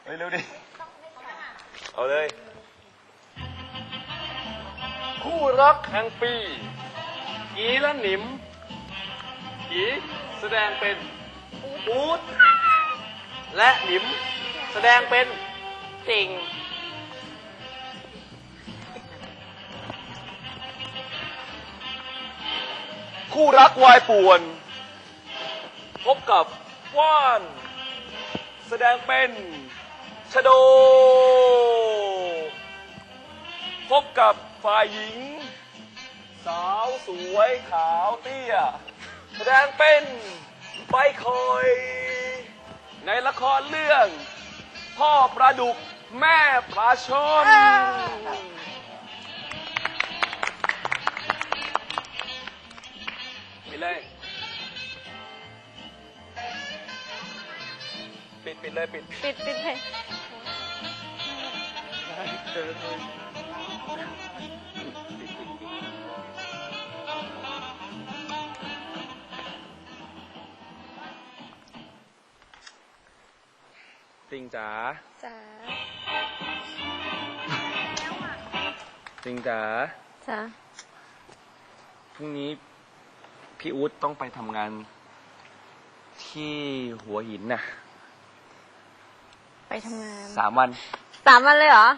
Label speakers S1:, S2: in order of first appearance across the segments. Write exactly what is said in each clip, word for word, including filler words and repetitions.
S1: เฮ้ยเร็วดิเอาเลยคู่รักแห่งปีกีและหนิมกีแสดงเป็นอู๊ดและหนิมแสดงเป็นติ่งคู่รักวายป่วนพบกับว่านแสดงเป็นชโดพบกับฝ่ายหญิงสาวสวยขาวเตี้ยแสดงเป็นใบคอยในละครเรื่องพ่อปลาดุกแม่ปลาช่อนปิดเลยปิดปิดเลยปิด
S2: ปิดปิดเลย
S1: ติงจ๋า
S2: จ๋า
S1: ติงจ๋า
S2: จ๋า
S1: พรุ่งนี้พี่อู๊ดต้องไปทำงานที่หัวหินน่ะ
S2: ไปทำงาน
S1: สามวัน
S2: สามวันเลยเหรอ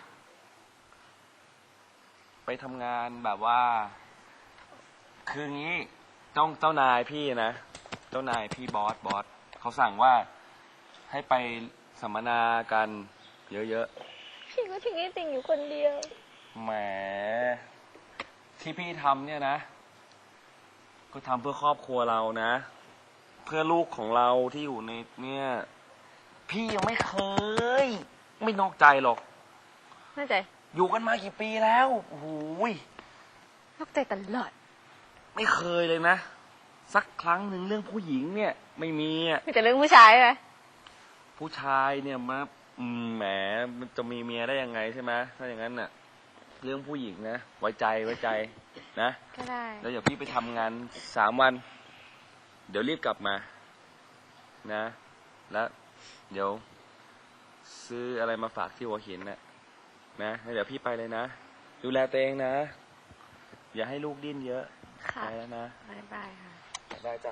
S1: ไปทำงานแบบว่าคืองี้เจ้าเจ้านายพี่นะเจ้านายพี่บอสบอสเขาสั่งว่าให้ไปสัมมนากันเยอะ
S2: ๆพี่ก็ทิ้งไอ้ติ่งอยู่คนเดียว
S1: แหมที่พี่ทำเนี่ยนะก็ทำเพื่อครอบครัวเรานะเพื่อลูกของเราที่อยู่ในเนี่ยพี่ยังไม่เคยไม่นอกใจหรอก
S2: นอกใจ
S1: อยู่กันมากี่ปีแล้วโอ้โห
S2: นอกใจตลอด
S1: ไม่เคยเลยนะสักครั้งหนึ่งเรื่องผู้หญิงเนี่ยไม่มีอ่ะ
S2: มีแต่เรื่องผู้ชายไหม
S1: ผู้ชายเนี่ยมาแหมมันจะมีเมียได้ยังไงใช่ไหมถ้าอย่างนั้นน่ะเรื่องผู้หญิงนะไว้ใจไว้ใจนะ
S2: ก็ได้
S1: แล้วเดี๋ยวพี่ไปทำงานสามวันเดี๋ยวรีบกลับมานะแล้วเดี๋ยวซื้ออะไรมาฝากที่หัวหินนะนะเดี๋ยวพี่ไปเลยนะดูแลตัวเองนะอย่าให้ลูกดิ้นเยอะ
S2: ค่ะ
S1: ไปแล้วนะ
S2: บ๊ายบายค่ะ
S1: ได้จ้ะ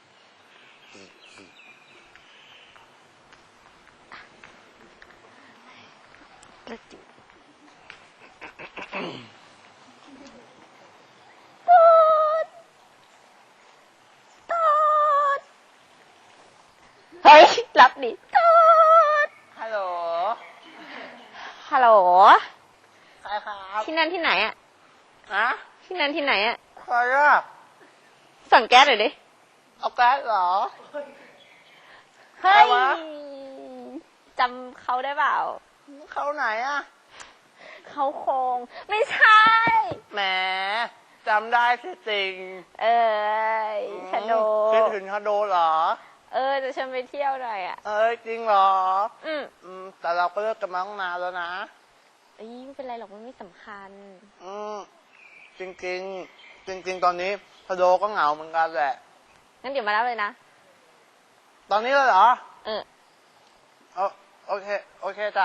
S2: กระจิบเฮ้ยรับดิตูด
S3: ฮัลโหล
S2: ฮัลโหล
S3: ใครครับ
S2: ที่นั่นที่ไหนอะ
S3: อะ
S2: ที่นั่นที่ไหนอะ
S3: ใครอะ
S2: สั่งแก๊สหน่อยดิ
S3: เอาแก๊สเหรอ
S2: เฮ้ยจำเขาได้เปล่า
S3: เขาไหนอะ
S2: เขาคงไม่ใช่
S3: แหมจำได้สิจริง
S2: เออชโด
S3: คิดถึงชโดเหรอ
S2: เออจะชวนไปเที่ยวหน่อยอ่ะ
S3: เอ้ยจริงเหรอ
S2: อืม
S3: อืมแต่เราก็เลิกกันมาตั้งนานแล้วนะ
S2: เอ้ยไม่เป็นไรหรอกมันไม่สำคัญ
S3: อืมจริงจริงจริงจริงตอนนี้ชโดก็เหงาเหมือนกันแหละ
S2: งั้นเดี๋ยวมารับเลยนะ
S3: ตอนนี้เลยเหรอ
S2: เออ
S3: โอเคโอเคจ้ะ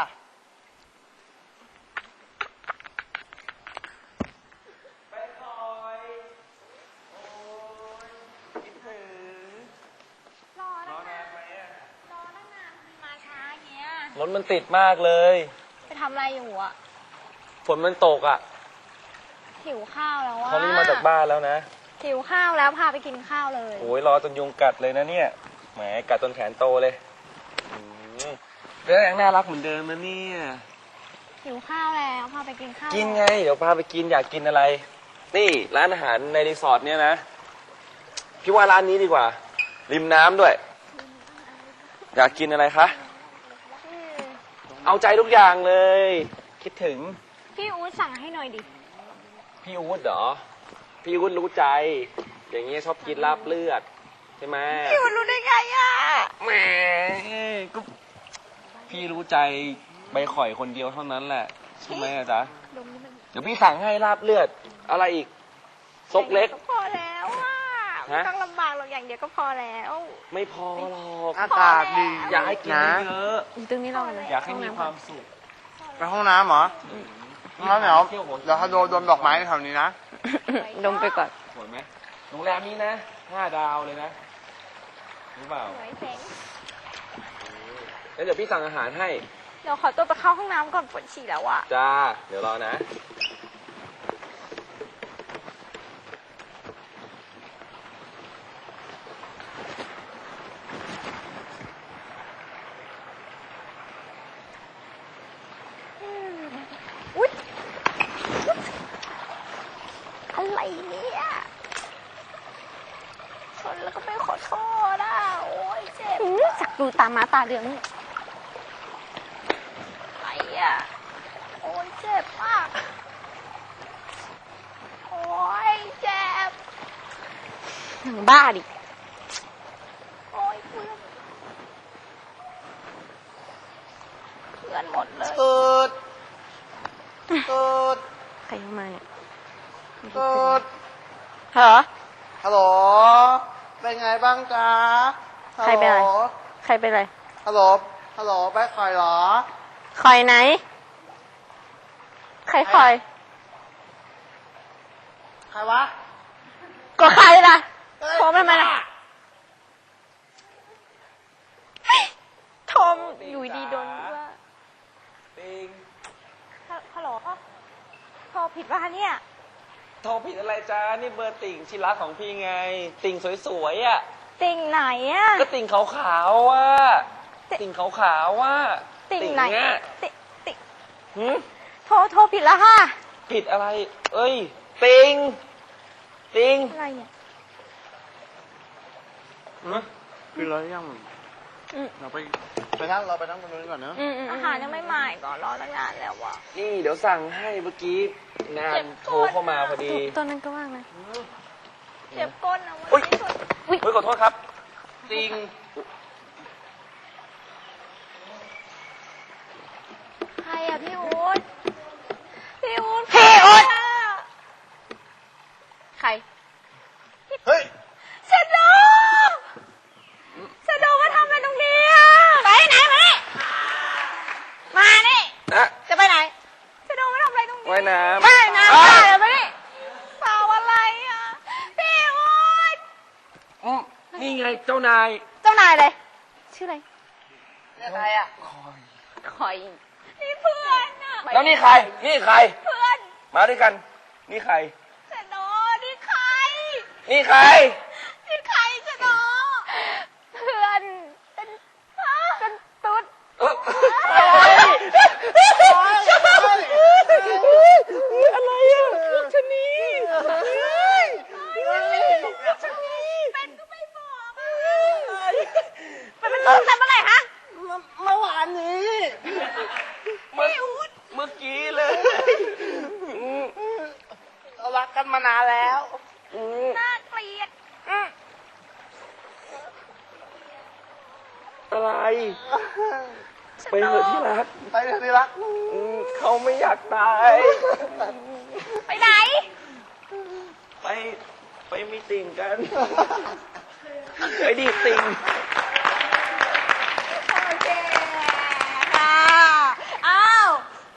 S1: รถมันติดมากเลย
S2: ไปทำอะไรอยู่อ่ะ
S1: ฝนมันตกอ่ะ
S2: หิวข้าวแล้วอ่ะ
S1: เขารีบมาจากบ้านแล้วนะ
S2: หิวข้าวแล้วพาไปกินข้าวเลย
S1: โอ้ยรอจนยุงกัดเลยนะเนี่ยแหมกัดจนแขนโตเลยแล้วยังน่ารักเหมือนเดิมนะเนี่ย
S2: หิวข้าวแล้วพาไปกินข้าว
S1: กินไงเดี๋ยวพาไปกินอยากกินอะไรนี่ร้านอาหารในรีสอร์ทเนี่ยนะพี่ว่าร้านนี้ดีกว่าริมน้ำด้วยอยากกินอะไรคะเอาใจทุกอย่างเลยคิดถึง
S2: พี่อู๊ดสั่งให้หน่อยดิ
S1: พี่อู๊ดเหรอพี่อู๊ดรู้ใจอย่างเงี้ยชอบกินลาบเลือดใช่ไหม
S2: พี่อู๊ดรู้ได้ไงอ่ะ
S1: แหมก็พี่รู้ใจใบข่อยคนเดียวเท่านั้นแหละใช่ไหมจ๊ะเดี๋ยวพี่สั่งให้ลาบเลือดอะไรอีกซกเล็ก
S2: พอแล้วอ่ะ
S1: ฮะ
S2: ไม่ต้องลำบากหรอกอย่างเดียวก็พอแล้ว
S1: ไม่พอหรอก
S3: อากาศดี
S1: อยากให้กิน
S3: นะ
S1: เยอะ
S2: อยู่ตรงนี้เราเลย
S1: อยากให้มีความสุข
S3: ไปห้องน้ำเหรองั้นเดี๋ยวเดี๋ยวถ้าโดนโดนดอกไม้แถวนี้นะ
S2: ดมไปก่อน
S1: สวยไหมโรงแรมนี้นะห้าดาวเลยนะรู้เปล่า
S2: สวยเจ๋ง
S1: แล้วเดี๋ยวพี่สั่งอาหารให้
S2: เดี๋ยวขอตัวไปเข้าห้องน้ำก่อนปวดฉี่แล้วอะ
S1: จ้า เดี๋ยวรอนะ
S2: อุ๊ยอะไรเนี่ยชนแล้วก็ไม่ขอโทษอ่ะโอ้ยเจ็บสักดูตามาตาเดืองอะไรอ่ะโอ้ยเจ็บมากโอ้ยเจ็บหนังบ้าดิโอ้ยเพื่อนเพื่อนหมดเลย
S3: เกิดเกิด
S2: ใครเข้ามาเนี่ย
S3: เกิด
S2: เหรอ
S3: ฮัลโหล เป็นไงบ้างจ๊ะ
S2: ใครเป็นอะไร
S3: ฮัลโหล
S2: ใครเป็นไร
S3: ฮัลโหล ฮัลโหลไปคอยเหรอ
S2: คอยไหน ใครคอย
S3: ใครวะ
S2: ก็ใครล่ะโทรมาทำไมล่ะโทรมอยู่ดีโดนว่า
S1: ปิง
S2: ฮัลโหลโทรผิดป่ะเนี่ย
S1: โทรผิดอะไรจ้า นี่เบอร์ติ่งชิรักของพี่ไง ติ่งสวยๆอ่ะ
S2: ติ่งไหนอ่ะ
S1: ก็ติ่งขาวๆอ่ะ
S2: ติ่ง
S1: ติ่งขาวๆอ่ะ
S2: ติ่งไหน
S1: อ่ะ
S2: ติ่งติ่ง
S1: หืม
S2: โทรโทรผิดแล้วค่ะ
S1: ผิดอะไร เอ้ย ติ่ง ติ่ง
S2: อะไรเนี่ย
S3: คือเรายัง
S2: อืม
S3: เราไปไปนั่งเราไปนั่งตรงนู้นก่อนเนอะ
S2: อืมอาหารยังไม่มาอีกก่อนรอตั้งนานแล้วอ่ะ
S1: นี่เดี๋ยวสั่งให้เมื่อกี้งา
S2: เจ็
S1: น
S2: บ
S1: โทรเข้ามาพอดี
S2: ตัวนั้นก็ว่างนะเจ็บก้นนะ
S1: อุ๊
S2: วัน
S1: ย
S2: นี้สุด
S1: เฮ้ยขอโทษครับ ติ่ง
S2: ใครอ่ะพี่อู๊ดพี่อู๊ดพี่อู๊ดใคร
S3: เฮ้ย
S2: เชโดเชโดมาทำอะไรตรงนี้อ่ะไปไหนมานี่มานี่
S1: นะ
S2: จะไปไหนเชโดมาทำอะไรตรงนี้
S1: ว่ายน้ำ
S2: ว่ายน้ำ
S1: อ้า
S2: ไปเลยไปนี่เปล่าอะไรอ่ะพี่อู๊ด
S1: อืมนี่ไงเจ้านาย
S2: เจ้านายเลยชื่ออะไร
S3: เนี่ยใครอ่ะ
S2: คอยนี่เพื่อนอ่ะ
S1: แล้วนี่ใคร นี่ใคร
S2: เพื่อน
S1: มาด้วยกัน นี่ใคร
S2: เชโดนี่ใคร
S1: นี่ใคร
S2: นี่ใครเชโดเพื่อนเป็นเป็นตุ๊ด
S1: เออ
S3: อะไรอ่ะชะนี
S2: เป็นก็ไม่บอกเป็นเป็นตุ๊ดแต่เมื่อไหร่ฮะ
S3: เมื่อวานนี้
S1: เมื่อเมื่อกี้เลย
S3: เรารักกันมานานแล้ว
S2: น่าเกลียด
S1: อะไร ไปเถอะที่รัก
S3: ไปเถอะที่รัก
S1: อืมเขาไม่อยากตาย
S2: ไปไหน
S1: ไป ไปมีติ่งกัน ไปดีติ่ง